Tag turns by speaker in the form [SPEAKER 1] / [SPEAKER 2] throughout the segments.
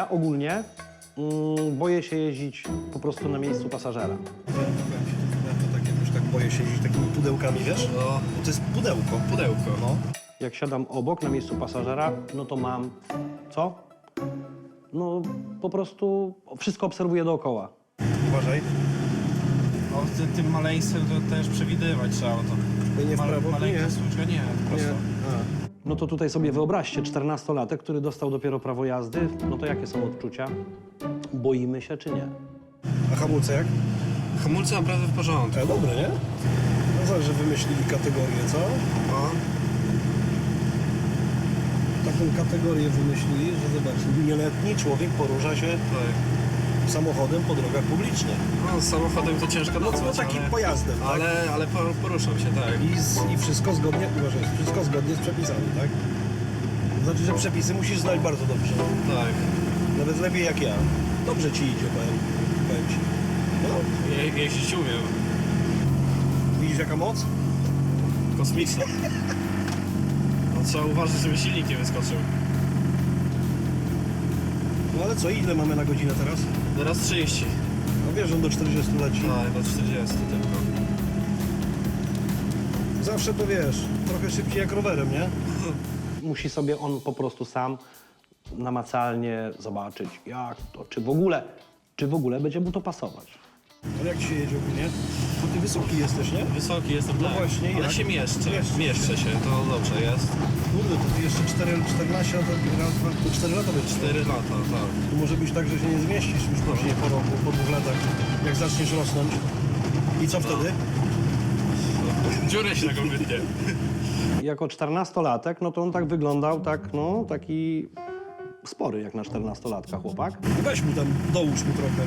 [SPEAKER 1] Ja ogólnie boję się jeździć po prostu na miejscu pasażera.
[SPEAKER 2] Ja to tak jakoś tak boję się jeździć takimi pudełkami, wiesz?
[SPEAKER 3] No,
[SPEAKER 2] To jest pudełko.
[SPEAKER 3] pudełko.
[SPEAKER 2] No.
[SPEAKER 1] Jak siadam obok na miejscu pasażera, no to mam... Co? No po prostu wszystko obserwuję dookoła.
[SPEAKER 2] Uważaj.
[SPEAKER 3] No, tym maleństwem to też przewidywać trzeba. To
[SPEAKER 2] Nie w prawo,
[SPEAKER 3] maleńka
[SPEAKER 2] nie.
[SPEAKER 3] słuczka, nie, prosto.
[SPEAKER 1] No to tutaj sobie wyobraźcie, 14-latek, który dostał dopiero prawo jazdy, no to jakie są odczucia? Boimy się czy nie?
[SPEAKER 2] A hamulce jak?
[SPEAKER 3] Hamulce naprawdę w porządku.
[SPEAKER 2] Dobre, nie? No zobacz, że wymyślili kategorię, co?
[SPEAKER 3] No.
[SPEAKER 2] Taką kategorię wymyślili, że zobacz, nieletni człowiek porusza się
[SPEAKER 3] Tak.
[SPEAKER 2] samochodem po drogach publicznych.
[SPEAKER 3] No, z samochodem to ciężko
[SPEAKER 2] No
[SPEAKER 3] nazwać,
[SPEAKER 2] takim
[SPEAKER 3] ale,
[SPEAKER 2] pojazdem, tak?
[SPEAKER 3] ale poruszam się, tak.
[SPEAKER 2] I wszystko zgodnie, uważaj, wszystko zgodnie z przepisami, tak? To znaczy, że przepisy musisz znać bardzo dobrze.
[SPEAKER 3] Tak.
[SPEAKER 2] Nawet lepiej jak ja. Dobrze ci idzie, powiem ci. No,
[SPEAKER 3] Jeździć umiem.
[SPEAKER 2] widzisz jaka moc?
[SPEAKER 3] Kosmiczna. No, trzeba uważać, żeby silnik nie wyskoczył.
[SPEAKER 2] No ale co, ile mamy na godzinę teraz?
[SPEAKER 3] Teraz 30.
[SPEAKER 2] No wiesz, on do 40 leci.
[SPEAKER 3] Tak, do 40 tylko.
[SPEAKER 2] Zawsze to wiesz, trochę szybciej jak rowerem, nie?
[SPEAKER 1] Musi sobie on po prostu sam namacalnie zobaczyć, jak to, czy w ogóle będzie mu to pasować.
[SPEAKER 2] Ale jak ci się jedzie ogólnie? Bo ty wysoki jesteś, nie?
[SPEAKER 3] Wysoki jestem,
[SPEAKER 2] No
[SPEAKER 3] tak.
[SPEAKER 2] właśnie,
[SPEAKER 3] ale
[SPEAKER 2] jak?
[SPEAKER 3] się mieszczę.
[SPEAKER 2] Mieszczysz
[SPEAKER 3] Mieszczę się, to dobrze jest.
[SPEAKER 2] Kurde, to ty jeszcze 14 lat, raz, dwa, to 4 lata będziesz.
[SPEAKER 3] 4 lata, tak.
[SPEAKER 2] To może być tak, że się nie zmieścisz już później po roku, po 2 latach, jak zaczniesz rosnąć. I co wtedy?
[SPEAKER 3] Dziurę się taką wytnie.
[SPEAKER 1] Jako 14-latek, no to on tak wyglądał, tak, no, taki spory jak na 14-latka chłopak.
[SPEAKER 2] Weź mu tam, dołóż mu trochę.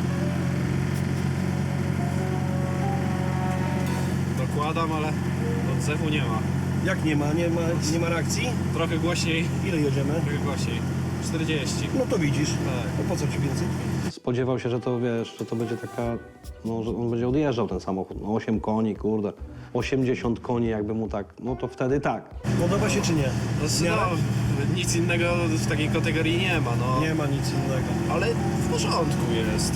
[SPEAKER 3] Dokładam, ale odzewu nie ma.
[SPEAKER 2] Jak nie ma reakcji?
[SPEAKER 3] Trochę głośniej,
[SPEAKER 2] Ile jedziemy?
[SPEAKER 3] trochę głośniej. 40.
[SPEAKER 2] No to widzisz.
[SPEAKER 3] Tak.
[SPEAKER 2] No po co ci więcej?
[SPEAKER 1] Spodziewał się, że to, wiesz, że to będzie taka, no, że on będzie odjeżdżał ten samochód. No 8 koni, kurde, 80 koni jakby mu tak, no to wtedy tak.
[SPEAKER 2] Podoba się czy nie?
[SPEAKER 3] No, nic innego w takiej kategorii nie ma, no.
[SPEAKER 2] Nie ma nic innego.
[SPEAKER 3] Ale w porządku jest.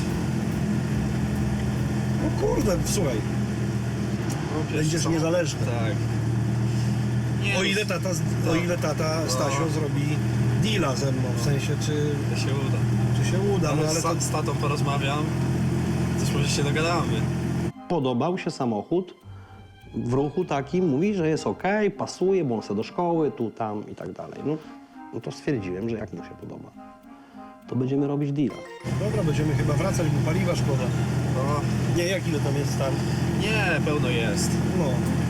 [SPEAKER 2] No kurde, słuchaj,
[SPEAKER 3] No, wiesz
[SPEAKER 2] będziesz
[SPEAKER 3] co?
[SPEAKER 2] niezależny.
[SPEAKER 3] Tak. Nie,
[SPEAKER 2] O ile tata Stasio zrobi deala ze mną, w sensie czy
[SPEAKER 3] to się uda.
[SPEAKER 2] się uda, no
[SPEAKER 3] Ale
[SPEAKER 2] ale to...
[SPEAKER 3] z tatą porozmawiam, też może się dogadamy.
[SPEAKER 1] Podobał się samochód w ruchu takim, mówi, że jest okej, pasuje, bo on chce do szkoły, tu, tam i tak dalej. No to stwierdziłem, że jak mu się podoba, to będziemy robić deala.
[SPEAKER 2] Dobra, będziemy chyba wracać, bo paliwa szkoda.
[SPEAKER 3] No,
[SPEAKER 2] Nie, jak ile tam jest tam?
[SPEAKER 3] nie, pełno jest.
[SPEAKER 2] No.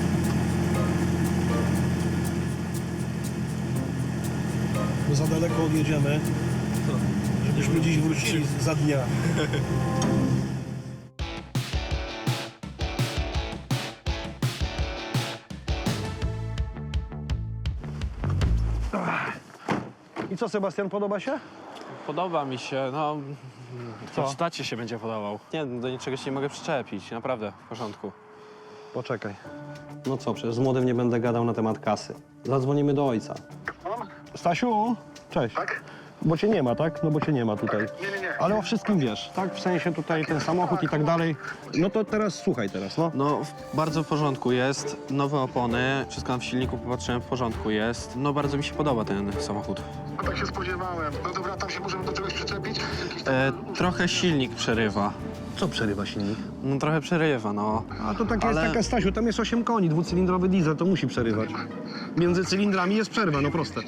[SPEAKER 2] Bo za daleko odjedziemy, żebyśmy dziś wrócili za dnia. I co, Sebastian, podoba się?
[SPEAKER 4] Podoba mi się, no...
[SPEAKER 2] Co?
[SPEAKER 4] To tacie się będzie podobał. Nie, do niczego się nie mogę przyczepić, naprawdę, w porządku.
[SPEAKER 2] Poczekaj.
[SPEAKER 1] No co, przecież z młodym nie będę gadał na temat kasy. Zadzwonimy do ojca. Stasiu, cześć.
[SPEAKER 5] Tak?
[SPEAKER 1] Bo cię nie ma, tak? No bo cię nie ma tutaj.
[SPEAKER 5] Nie.
[SPEAKER 1] Ale o wszystkim wiesz, tak? W sensie tutaj ten samochód i tak dalej. No to teraz słuchaj teraz, no.
[SPEAKER 4] No, bardzo w porządku jest, nowe opony, wszystko tam w silniku popatrzyłem, w porządku jest. No, bardzo mi się podoba ten samochód.
[SPEAKER 5] No tak się spodziewałem. No dobra, tam się możemy do czegoś przyczepić? Jakiś tam...
[SPEAKER 4] Trochę silnik przerywa.
[SPEAKER 1] Co przerywa silnik?
[SPEAKER 4] No, trochę przerywa, no.
[SPEAKER 1] A to takie
[SPEAKER 4] Ale-
[SPEAKER 1] jest taka, Stasiu, tam jest 8 koni, dwucylindrowy diesel, to musi przerywać. Między cylindrami jest przerwa, no proste.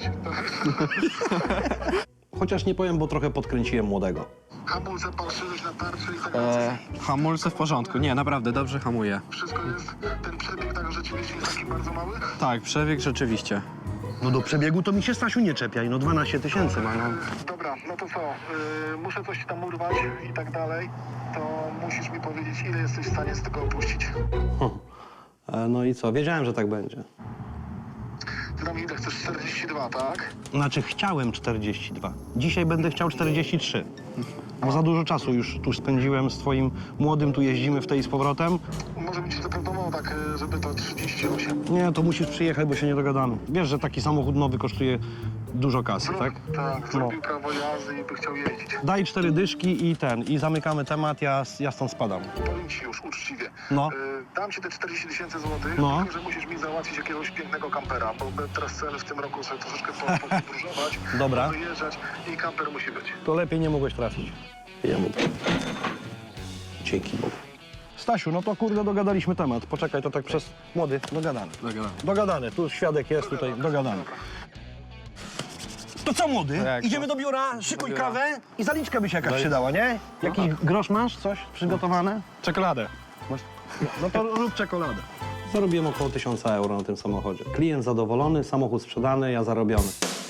[SPEAKER 1] Chociaż nie powiem, bo trochę podkręciłem młodego.
[SPEAKER 5] Hamulce parszyłeś na tarczy i tak dalej.
[SPEAKER 4] Hamulce w porządku, nie, naprawdę, dobrze hamuje.
[SPEAKER 5] Wszystko jest... Ten przebieg tak rzeczywiście jest taki bardzo mały?
[SPEAKER 4] Tak, przebieg rzeczywiście.
[SPEAKER 1] No do przebiegu to mi się, Stasiu, nie czepiaj, no 12 tysięcy ma, no.
[SPEAKER 5] Dobra, no to co? Muszę coś tam urwać i tak dalej. To musisz mi powiedzieć, ile jesteś w stanie z tego opuścić.
[SPEAKER 1] No i co, wiedziałem, że tak będzie.
[SPEAKER 5] Ty tam ile chcesz? 42, tak?
[SPEAKER 1] Znaczy chciałem 42. Dzisiaj będę chciał 43.
[SPEAKER 2] Bo za dużo czasu już tu spędziłem z twoim młodym, tu jeździmy w tej i z powrotem.
[SPEAKER 5] Może być zaproponował tak, żeby to 38.
[SPEAKER 2] Nie, to musisz przyjechać, bo się nie dogadamy. Wiesz, że taki samochód nowy kosztuje dużo kasy, tak?
[SPEAKER 5] Tak, zrobił prawo jazdy i by chciał jeździć.
[SPEAKER 2] Daj 4 dyszki i zamykamy temat, ja stąd spadam.
[SPEAKER 5] Powiem ci już uczciwie.
[SPEAKER 2] No.
[SPEAKER 5] Dam ci te 40 000 złotych,
[SPEAKER 2] No.
[SPEAKER 5] tylko że musisz mi załatwić jakiegoś pięknego kampera, bo teraz chcemy w tym roku sobie troszeczkę podróżować,
[SPEAKER 2] Dobra.
[SPEAKER 5] wyjeżdżać i kamper musi być.
[SPEAKER 2] To lepiej nie mogłeś trafić.
[SPEAKER 1] Ja mówię. Dzięki Bogu.
[SPEAKER 2] Stasiu, no to kurde dogadaliśmy temat. Poczekaj, to tak przez... Młody, dogadany. Dogadany, tu świadek jest, tutaj dogadany. To co, młody?
[SPEAKER 4] Jak
[SPEAKER 2] Idziemy
[SPEAKER 4] to?
[SPEAKER 2] do biura, szykuj
[SPEAKER 4] Do biura.
[SPEAKER 2] kawę i zaliczka by się jakaś przydała, nie? Jakiś grosz masz? Coś przygotowane?
[SPEAKER 4] Czekoladę.
[SPEAKER 2] No to rób czekoladę.
[SPEAKER 1] Zarobiłem około 1000 euro na tym samochodzie. Klient zadowolony, samochód sprzedany, ja zarobiony.